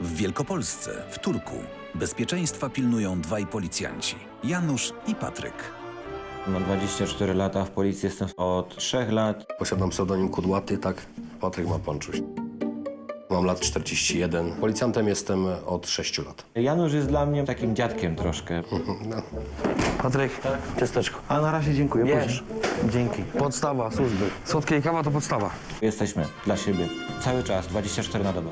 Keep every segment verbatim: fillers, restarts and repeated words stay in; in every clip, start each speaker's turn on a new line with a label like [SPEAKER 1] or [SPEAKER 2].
[SPEAKER 1] W Wielkopolsce, w Turku, bezpieczeństwa pilnują dwaj policjanci, Janusz i Patryk.
[SPEAKER 2] Mam dwadzieścia cztery lata, w policji jestem od trzech lat.
[SPEAKER 3] Posiadam pseudonim Kudłaty, tak? Patryk ma Ponczuś. Mam lat czterdzieści jeden. Policjantem jestem od sześciu lat.
[SPEAKER 2] Janusz jest dla mnie takim dziadkiem troszkę.
[SPEAKER 3] No.
[SPEAKER 4] Patryk, ciasteczko.
[SPEAKER 2] A na razie dziękuję.
[SPEAKER 4] Bierz.
[SPEAKER 2] Dzięki.
[SPEAKER 4] Podstawa służby. Słodkie i kawa to podstawa.
[SPEAKER 2] Jesteśmy dla siebie cały czas, dwadzieścia cztery na dobę.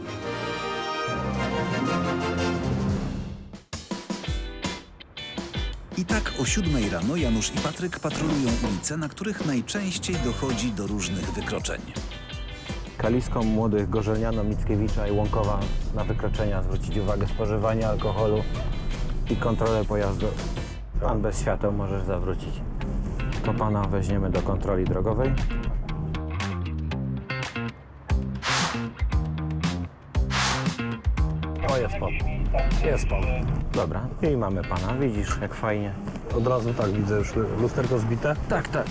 [SPEAKER 1] I tak o siódmej rano Janusz i Patryk patrolują ulice, na których najczęściej dochodzi do różnych wykroczeń.
[SPEAKER 2] Kaliską, Młodych, Gorzelniano, Mickiewicza i Łąkowa na wykroczenia zwrócić uwagę spożywania alkoholu i kontrolę pojazdu. Pan bez świateł możesz zawrócić. To pana weźmiemy do kontroli drogowej.
[SPEAKER 4] O, jest pan. Jest pan.
[SPEAKER 2] Dobra, i mamy pana. Widzisz, jak fajnie.
[SPEAKER 4] Od razu tak, widzę już lusterko zbite.
[SPEAKER 2] Tak, tak.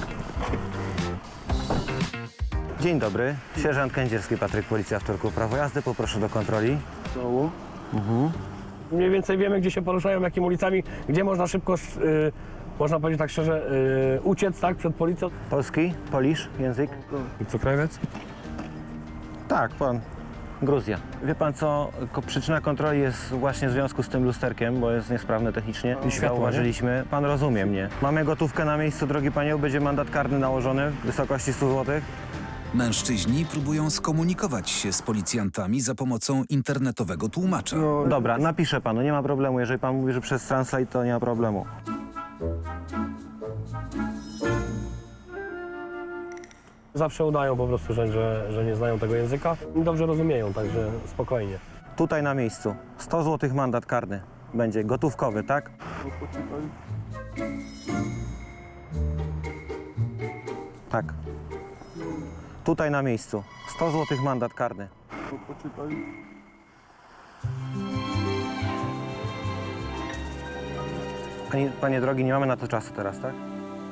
[SPEAKER 2] Dzień dobry. Sierżant Kędzierski, Patryk, Policja w Turku. Prawo jazdy, poproszę do kontroli.
[SPEAKER 4] Znowu. Mhm. Mniej więcej wiemy, gdzie się poruszają, jakimi ulicami, gdzie można szybko, y, można powiedzieć tak szczerze, y, uciec, tak, przed policją.
[SPEAKER 2] Polski? Polisz? Język?
[SPEAKER 4] I co, krajowiec?
[SPEAKER 2] Tak, pan. Gruzja. Wie pan co, ko- przyczyna kontroli jest właśnie w związku z tym lusterkiem, bo jest niesprawne technicznie.
[SPEAKER 4] I światło,
[SPEAKER 2] Zauważyliśmy. Pan rozumie mnie. Mamy gotówkę na miejscu, drogi panie, będzie mandat karny nałożony w wysokości stu złotych.
[SPEAKER 1] Mężczyźni próbują skomunikować się z policjantami za pomocą internetowego tłumacza.
[SPEAKER 2] Dobra, napiszę panu, nie ma problemu. Jeżeli pan mówi, że przez Translate, to nie ma problemu.
[SPEAKER 4] Zawsze udają po prostu, że, że, że nie znają tego języka i dobrze rozumieją, także spokojnie.
[SPEAKER 2] Tutaj na miejscu. sto złotych mandat karny. Będzie gotówkowy, tak? Tak. Tutaj na miejscu. sto złotych mandat karny. Panie, panie drogi, nie mamy na to czasu teraz, tak?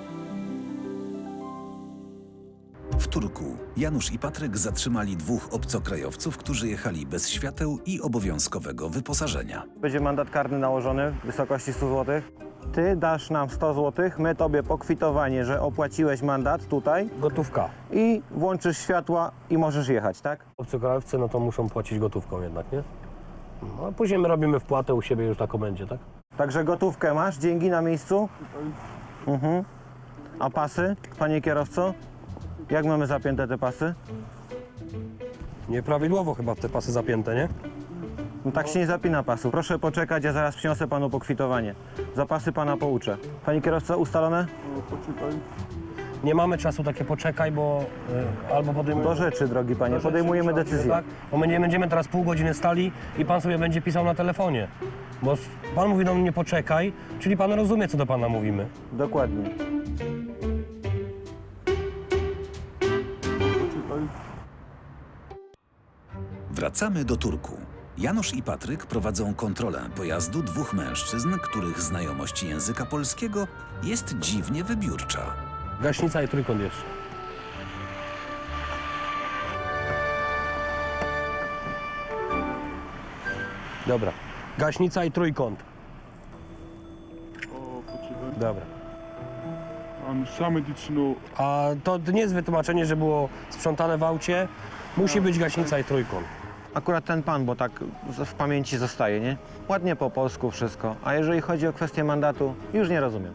[SPEAKER 1] W Turku Janusz i Patryk zatrzymali dwóch obcokrajowców, którzy jechali bez świateł i obowiązkowego wyposażenia.
[SPEAKER 2] Będzie mandat karny nałożony w wysokości stu złotych. Ty dasz nam sto złotych, my tobie pokwitowanie, że opłaciłeś mandat tutaj
[SPEAKER 4] Gotówka.
[SPEAKER 2] i włączysz światła i możesz jechać, tak?
[SPEAKER 4] Obcokrajowcy, no to muszą płacić gotówką jednak, nie? No, a później my robimy wpłatę u siebie już na komendzie, tak?
[SPEAKER 2] Także gotówkę masz, dzięki na miejscu. Mhm. A pasy, panie kierowco? Jak mamy zapięte te pasy?
[SPEAKER 4] Nieprawidłowo chyba te pasy zapięte, nie?
[SPEAKER 2] No tak się nie zapina pasu. Proszę poczekać, ja zaraz przyniosę panu pokwitowanie. Zapasy pana pouczę. Panie kierowco, ustalone?
[SPEAKER 4] Nie mamy czasu, takie poczekaj, bo y, albo podejmujemy...
[SPEAKER 2] Do rzeczy, drogi panie,
[SPEAKER 4] do rzeczy
[SPEAKER 2] podejmujemy
[SPEAKER 4] musimy,
[SPEAKER 2] decyzję.
[SPEAKER 4] Tak? Bo my nie będziemy teraz pół godziny stali i pan sobie będzie pisał na telefonie. Bo s- pan mówi do mnie poczekaj, czyli pan rozumie, co do pana mówimy.
[SPEAKER 2] Dokładnie.
[SPEAKER 1] Wracamy do Turku. Janusz i Patryk prowadzą kontrolę pojazdu dwóch mężczyzn, których znajomość języka polskiego jest dziwnie wybiórcza.
[SPEAKER 4] Gaśnica i trójkąt jeszcze. Dobra. Gaśnica i trójkąt.
[SPEAKER 5] O, poczekaj.
[SPEAKER 4] Dobra.
[SPEAKER 5] A same medyczną.
[SPEAKER 4] A to nie jest wytłumaczenie, że było sprzątane w aucie. Musi być gaśnica i trójkąt.
[SPEAKER 2] Akurat ten pan, bo tak z- w pamięci zostaje, nie? Ładnie po polsku wszystko. A jeżeli chodzi o kwestię mandatu, już nie rozumiem.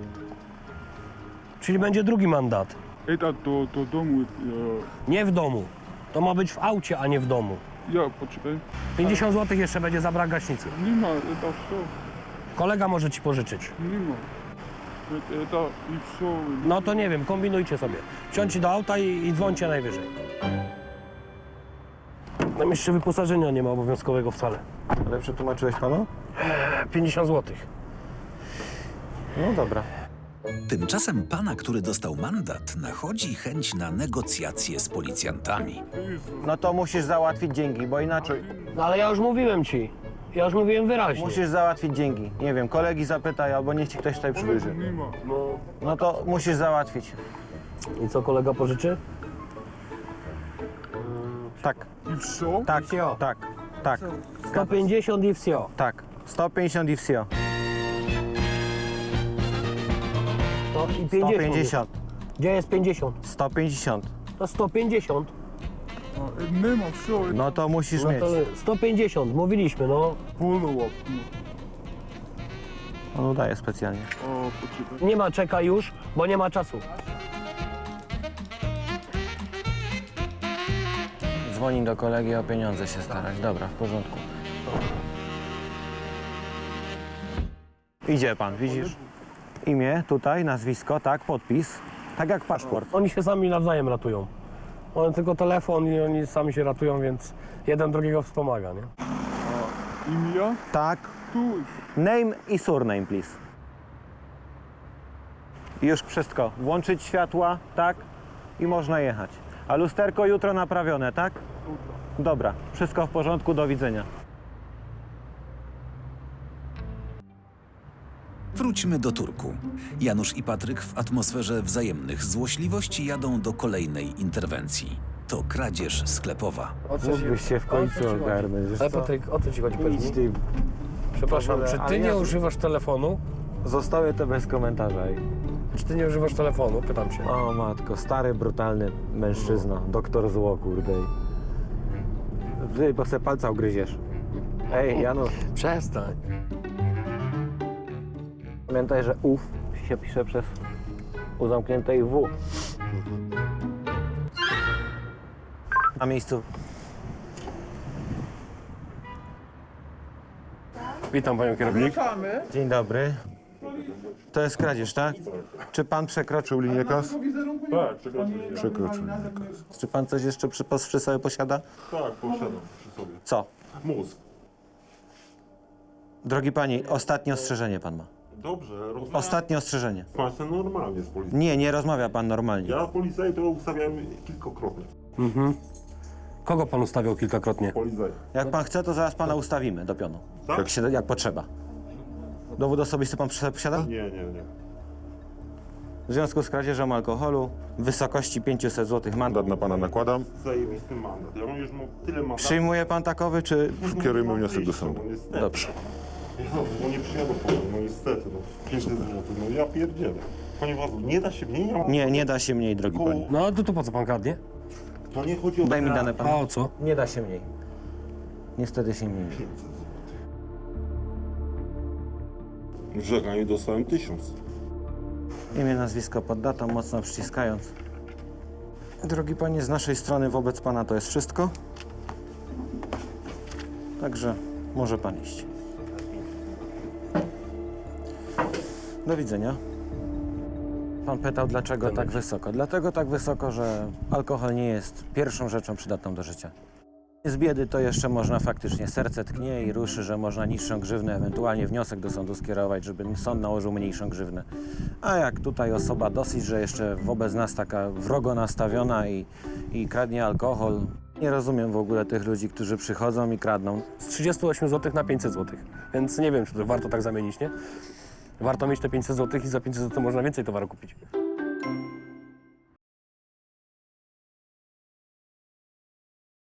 [SPEAKER 4] Czyli będzie drugi mandat.
[SPEAKER 5] Это do, do domu.
[SPEAKER 4] Nie w domu. To ma być w aucie, a nie w domu.
[SPEAKER 5] Ja, ja poczekaj.
[SPEAKER 4] pięćdziesiąt złotych jeszcze będzie za brak gaśnicy.
[SPEAKER 5] Nie ma, это все.
[SPEAKER 4] Kolega może ci pożyczyć.
[SPEAKER 5] Nie ma. Это, это и все.
[SPEAKER 4] No to nie wiem, kombinujcie sobie. Wsiądźcie do auta i, i dzwońcie najwyżej. Tam jeszcze wyposażenia nie ma obowiązkowego wcale.
[SPEAKER 2] Ale przetłumaczyłeś panu?
[SPEAKER 4] pięćdziesiąt złotych.
[SPEAKER 2] No dobra.
[SPEAKER 1] Tymczasem pana, który dostał mandat, nachodzi chęć na negocjacje z policjantami.
[SPEAKER 2] No to musisz załatwić dzięki, bo inaczej
[SPEAKER 4] No ale ja już mówiłem ci. Ja już mówiłem wyraźnie.
[SPEAKER 2] musisz załatwić dzięki. Nie wiem, kolegi zapytaj, albo niech ci ktoś tutaj przybliży.
[SPEAKER 5] Nie ma.
[SPEAKER 4] No.
[SPEAKER 2] No to musisz załatwić.
[SPEAKER 4] I co kolega pożyczy?
[SPEAKER 2] Tak,
[SPEAKER 5] I все?
[SPEAKER 2] tak,
[SPEAKER 4] Wsio.
[SPEAKER 2] tak, tak.
[SPEAKER 4] sto pięćdziesiąt i wsio.
[SPEAKER 2] Tak, sto pięćdziesiąt i wsio.
[SPEAKER 4] To i
[SPEAKER 2] sto
[SPEAKER 4] pięćdziesiąt.
[SPEAKER 2] pięćdziesiąt.
[SPEAKER 4] Gdzie jest pięćdziesiąt?
[SPEAKER 2] sto pięćdziesiąt.
[SPEAKER 4] To sto pięćdziesiąt.
[SPEAKER 5] А, нема, все,
[SPEAKER 2] No to musisz
[SPEAKER 4] No
[SPEAKER 2] mieć.
[SPEAKER 4] to sto pięćdziesiąt, mówiliśmy, no.
[SPEAKER 5] полулап.
[SPEAKER 2] On udaje specjalnie.
[SPEAKER 5] А, почекай.
[SPEAKER 4] Nie ma czeka już, bo nie ma czasu.
[SPEAKER 2] Dzwoni do kolegi o pieniądze się starać. Dobra, w porządku. Idzie pan, widzisz? Imię tutaj, nazwisko, tak, podpis. Tak jak paszport.
[SPEAKER 4] Oni się sami nawzajem ratują. Oni tylko telefon i oni sami się ratują, więc jeden drugiego wspomaga, nie?
[SPEAKER 5] Имя?
[SPEAKER 2] Tak.
[SPEAKER 5] Туй.
[SPEAKER 2] Name i surname, please. I już wszystko. Włączyć światła, tak? I można jechać. A lusterko jutro naprawione, tak? Dobra, wszystko w porządku, do widzenia.
[SPEAKER 1] Wróćmy do Turku. Janusz i Patryk w atmosferze wzajemnych złośliwości jadą do kolejnej interwencji. To kradzież sklepowa.
[SPEAKER 4] O co ci,
[SPEAKER 2] Mógłbyś się w
[SPEAKER 4] o co
[SPEAKER 2] końcu
[SPEAKER 4] ci chodzi?
[SPEAKER 2] ogarnąć, wiesz
[SPEAKER 4] Ale
[SPEAKER 2] co?
[SPEAKER 4] Patryk, o co ci chodzi, powiedz
[SPEAKER 2] Idź
[SPEAKER 4] mi?
[SPEAKER 2] ty.
[SPEAKER 4] Przepraszam,
[SPEAKER 2] w ogóle,
[SPEAKER 4] czy
[SPEAKER 2] ale
[SPEAKER 4] ty nie
[SPEAKER 2] ja-
[SPEAKER 4] używasz telefonu?
[SPEAKER 2] Zostawię to bez komentarza.
[SPEAKER 4] Czy ty nie używasz telefonu? Pytam się.
[SPEAKER 2] O matko, stary, brutalny mężczyzna. Doktor zło, kurde. Ty, bo se palca ugryziesz. Ej, Janusz,
[SPEAKER 4] Przestań.
[SPEAKER 2] pamiętaj, że ów się pisze przez u zamkniętej W. Na miejscu.
[SPEAKER 4] Witam panią kierownik.
[SPEAKER 2] Dzień dobry. To jest kradzież, tak? Czy pan przekroczył linię kas? Przekroczył linię kas. Czy pan coś jeszcze przy, pos- przy sobie posiada?
[SPEAKER 6] Tak, posiadam przy sobie.
[SPEAKER 2] Co?
[SPEAKER 6] Mózg.
[SPEAKER 2] Drogi pani, ostatnie ostrzeżenie pan ma.
[SPEAKER 6] Dobrze, rozmawiam
[SPEAKER 2] Ostatnie ostrzeżenie.
[SPEAKER 6] z państwem normalnie z policją.
[SPEAKER 2] Nie, nie rozmawia pan normalnie.
[SPEAKER 6] Ja policję to ustawiam kilkakrotnie.
[SPEAKER 4] Kogo pan ustawiał kilkakrotnie?
[SPEAKER 6] Policję.
[SPEAKER 2] Jak pan chce, to zaraz pana ustawimy do pionu.
[SPEAKER 6] Tak?
[SPEAKER 2] Jak, się, jak potrzeba. Dowód osobisty pan przy sobie posiada?
[SPEAKER 6] Nie, nie, nie.
[SPEAKER 2] W związku z kradzieżą alkoholu w wysokości pięćset złotych mandat na pana nakładam.
[SPEAKER 6] Zajebisty mandat. Ja mam już mam tyle mandatów.
[SPEAKER 2] Przyjmuje pan takowy, czy...
[SPEAKER 6] Kierujmy wniosek do sądu. No,
[SPEAKER 2] Dobrze.
[SPEAKER 6] Jezu, bo nie przyjadą po mnie, no niestety, no pięćset złotych, no ja pierdzielę. Panie władzu, nie da się mniej? Ja mam
[SPEAKER 2] Nie, nie da się mniej, drogi
[SPEAKER 6] około-
[SPEAKER 2] pani.
[SPEAKER 4] No to, to po co pan kradnie?
[SPEAKER 6] To nie chodzi o...
[SPEAKER 2] Daj mi dane
[SPEAKER 4] A
[SPEAKER 2] pan.
[SPEAKER 4] o co?
[SPEAKER 2] Nie da się mniej. Niestety się mniej.
[SPEAKER 6] W żegnaniu dostałem tysiąc.
[SPEAKER 2] Imię, nazwisko pod datą, mocno przyciskając. Drogi panie, z naszej strony wobec pana to jest wszystko. Także może pan iść. Do widzenia. Pan pytał, dlaczego tak wysoko. Dlatego tak wysoko, że alkohol nie jest pierwszą rzeczą przydatną do życia. Z biedy to jeszcze można faktycznie, serce tknie i ruszy, że można niższą grzywnę, ewentualnie wniosek do sądu skierować, żeby sąd nałożył mniejszą grzywnę. A jak tutaj osoba dosyć, że jeszcze wobec nas taka wrogo nastawiona i, i kradnie alkohol. Nie rozumiem w ogóle tych ludzi, którzy przychodzą i kradną.
[SPEAKER 4] Z trzydzieści osiem złotych na pięćset złotych. Więc nie wiem, czy to warto tak zamienić, nie? Warto mieć te pięćset złotych i za pięćset złotych można więcej towaru kupić.